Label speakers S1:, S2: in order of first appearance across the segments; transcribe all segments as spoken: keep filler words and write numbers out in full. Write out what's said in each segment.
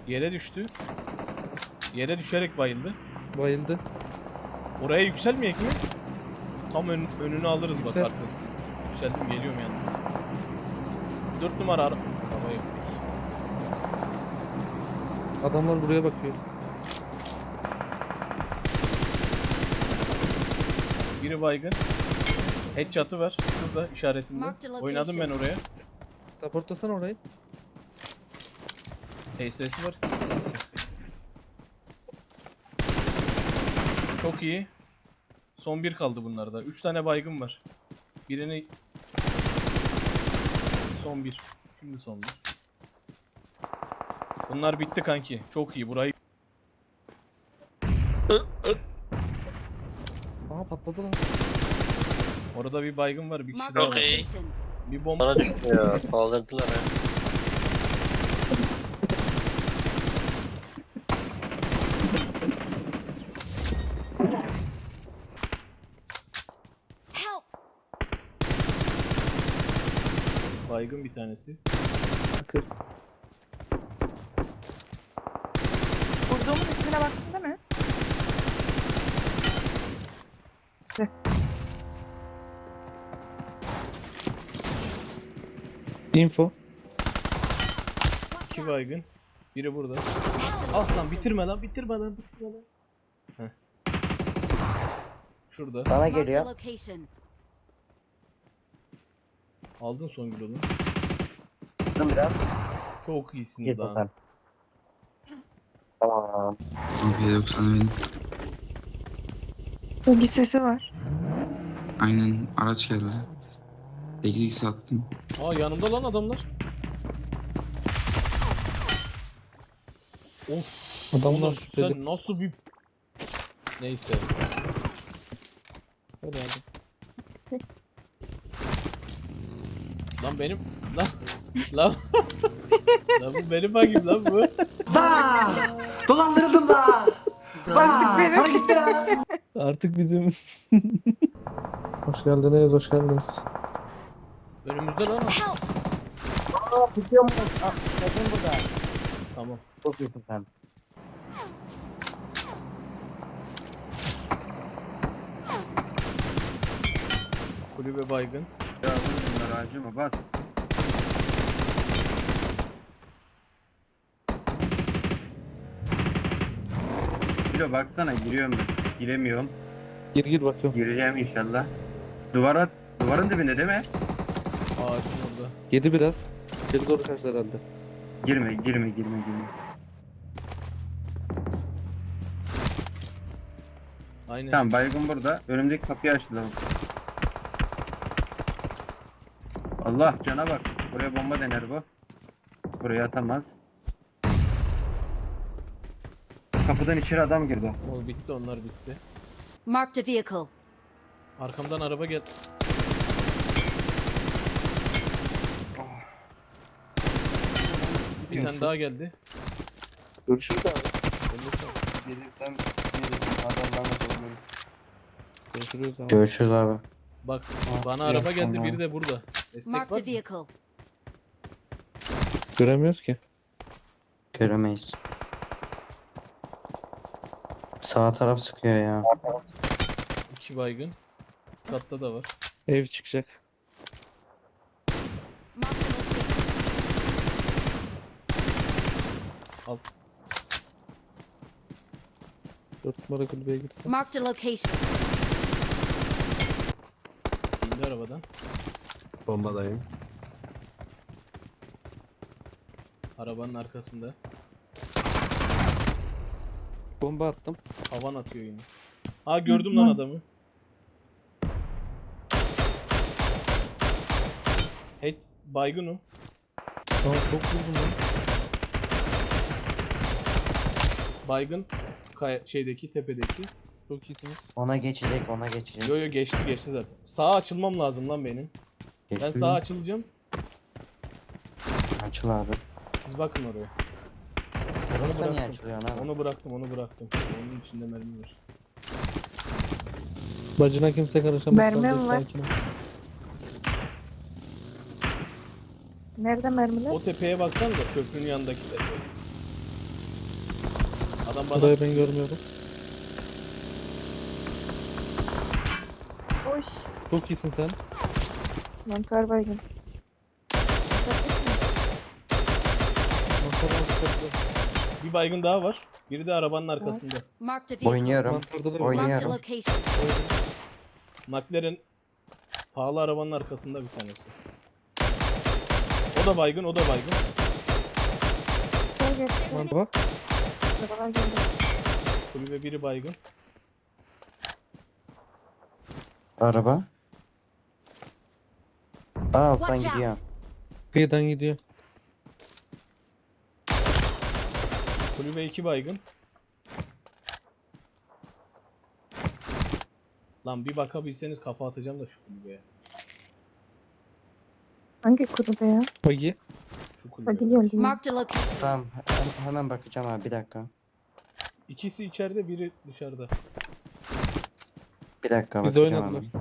S1: Yere düştü. Yere düşerek bayıldı.
S2: Bayıldı.
S1: Oraya yükselmeyek mi? Tam ön, önünü alırız bak
S2: Yüksel.
S1: arkasına. Yükseldim, geliyorum yanına. Dört numara ara. Arabayı.
S2: Adamlar buraya bakıyor.
S1: Biri baygın. Headshot'ı var. Şurada işaretimde.
S3: Marked a
S1: Oynadım ben oraya.
S2: Raportlasana orayı.
S1: H S'si var. Çok iyi. Son bir kaldı bunlarda. Üç tane baygın var. Birini... Son bir. Şimdi son bir. Bunlar bitti kanki. Çok iyi. Burayı...
S2: Aa patladı lan.
S1: Orada bir baygın var. Bir kişi
S3: Marked
S1: daha
S3: a
S1: var.
S4: Okey.
S3: location.
S1: Bir bomba...
S4: Bana düştü ya. Kaldırdılar ha.
S3: Help!
S1: Baygın bir tanesi.
S2: Kır.
S5: Vurduğumun ismine baktın değil mi?
S2: Info.
S1: İki baygın. Biri burada. Aslan bitirme lan, bitirme lan, bitirme lan. Heh. Şurada.
S6: Bana
S3: Marked a
S6: geliyor.
S3: location.
S1: Aldın son gülü.
S6: Dur biraz.
S1: Çok iyisin
S6: Gir
S1: daha.
S6: bakalım. Tamam.
S7: P doksan benim.
S5: Bilgi sesi var.
S7: Aynen araç geldi. sekiz x attım.
S1: Aa, yanımda lan adamlar. Of.
S2: Adamlar
S1: oğlum,
S2: şüpheli.
S1: sen nasıl bir... Neyse.
S2: Hadi hadi.
S1: Lan benim... Lan... Lan... Lan bu benim bagim lan bu.
S8: Dolandırıldım da. Vaa, para gitti ya.
S2: Artık bizim. Hoş geldiniz, hoş geldiniz.
S1: Önümüzde lan o.
S3: Help!
S6: Aa tutuyor mu? Aa, bakın burada.
S1: Tamam.
S6: Çok iyisin sen.
S1: Kulübe baygın.
S9: Ya bunlar acıma bas. Kilo baksana giriyorum ben. Giremiyorum.
S2: Gir gir bakıyorum.
S9: Gireceğim inşallah. Duvara, duvarın dibinde değil mi?
S1: Ağacın orada.
S2: Yedi biraz. Geri doğru kaçtı herhalde.
S9: Girme, girme, girme, girme.
S1: Aynen.
S9: Tamam baygın burada. Önümdeki kapıyı açtılar. Allah cana bak. Buraya bomba dener bu. Buraya atamaz. Kapıdan içeri adam girdi.
S1: O bitti, onlar bitti.
S3: Marked a vehicle.
S1: Arkamdan araba gel. Bir tane daha geldi.
S2: Görüşürüz abi.
S9: Gelirsen adamlarla dolmuyorum.
S2: Görüşürüz abi.
S6: Görüşürüz abi.
S1: Bak
S9: Ah,
S1: bana
S9: iyi
S1: araba geldi,
S9: akşamlar.
S1: biri de burada. Destek
S3: Marked
S1: var
S3: a
S1: mı?
S3: vehicle.
S2: Göremiyoruz ki.
S6: Göremeyiz. Sağ taraf sıkıyor ya.
S1: İki baygın. Katta da var.
S2: Ev çıkacak.
S3: Marked a location.
S1: Al.
S2: Dört numara kulübeye girsin.
S3: Marked a location.
S1: İndi arabadan.
S8: Bombadayım.
S1: Arabanın arkasında.
S2: Bomba attım.
S1: Havan atıyor yine. Ha, gördüm lan adamı. Hey, baygın o.
S2: Aa çok vurdum lan.
S1: Baygın. Kaya, şeydeki, tepedeki.
S2: Çok iyisiniz.
S6: Ona geçecek, ona geçecek.
S1: Yo yo, geçti geçti zaten. Sağa açılmam lazım lan benim. Ben
S6: Geçti
S1: sağa
S6: mi?
S1: açılacağım.
S6: Açıl abi.
S1: Siz bakın oraya.
S6: Burası niye
S1: bıraktım.
S6: açılıyor abi?
S1: Onu bıraktım, onu bıraktım. Onun içinde mermi var.
S2: Bacına kimse karışamaz.
S5: Mermi
S2: sen de
S5: mi var?
S2: sakin ol.
S5: Nerede mermiler?
S1: O tepeye baksanıza, köprünün yanındaki tepe. Adam bana
S2: Burayı ben görmüyorum.
S5: Hoş.
S2: Çok iyisin sen.
S5: Mantar baygın.
S2: Mantarda mantarda.
S1: bir baygın daha var. Biri de arabanın arkasında.
S3: Marked a vehicle.
S4: Oynuyorum.
S2: Mantarda da
S3: Marked a
S4: Oynuyorum.
S3: location.
S1: McLaren pahalı arabanın arkasında bir tanesi. O da baygın, o da baygın.
S5: Gel gel.
S2: Mantar bak.
S5: Arabalar geldi.
S1: Kulübe biri baygın.
S4: Araba. Aa alttan
S3: Watch
S4: gidiyor.
S3: out.
S2: Kıyıdan gidiyor.
S1: Kulübe iki baygın. Lan bir bakabilseniz kafa atacağım da şu kulübeye.
S5: Hangi kulübe ya?
S2: Bagi.
S1: Şu
S5: Bak
S1: kulübeye.
S5: geldi ya.
S3: Marked a location.
S4: Tamam he- hemen bakacağım abi bir dakika.
S1: İkisi içeride, biri dışarıda.
S4: Bir dakika
S2: Biz
S4: bakacağım
S2: oynadılar.
S4: abi.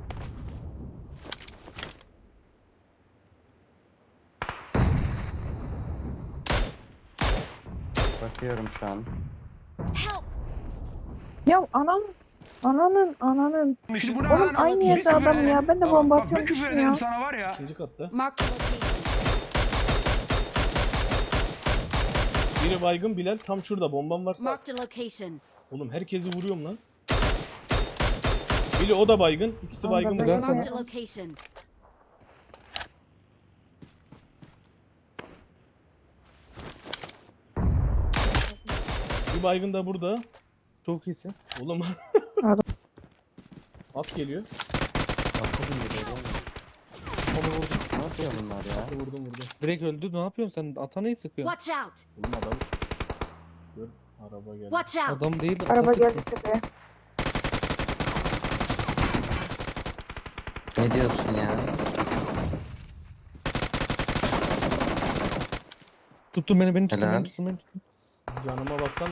S4: Bakıyorum şu an.
S3: Help.
S5: Ya ananın. Ananın ananın.
S10: İşte bu ne
S5: Oğlum
S10: lan?
S5: aynı
S10: Bir
S5: yerde
S10: küfür
S5: adam
S10: ederim.
S5: ya. Ben de
S10: Bak,
S5: bomba
S10: bak, bir küfür
S5: atıyormuşum
S10: ederim
S5: ya.
S10: sana var ya.
S1: İkinci katta.
S3: Marked a location.
S1: Biri baygın Bilal. Tam şurada bombam varsa.
S3: Marked a location.
S1: Oğlum herkesi vuruyorum lan. Biri o da baygın. İkisi
S5: Onda
S1: baygın
S5: da
S1: burada.
S2: Gel sana.
S3: Marked a location.
S1: Bir baygın da burada.
S2: Çok iyisin.
S1: Oğlum.
S5: Adam.
S1: At geliyor.
S2: Onu vurdum.
S4: Ne yapıyor bunlar ya?
S1: Vurdum vurdum.
S2: Direkt öldü. Ne yapıyorsun sen? Atanayı sıkıyorsun.
S3: Watch out.
S1: Oğlum adam. Dur. Araba geldi.
S3: Watch out.
S2: Adam değil de
S5: Araba
S2: ata
S5: geldi
S2: sıkıyor.
S5: tepeye.
S4: Ne diyorsun ya?
S2: Tutun beni beni tutun
S4: Helal.
S2: beni tutun beni tutun.
S1: Canıma baksan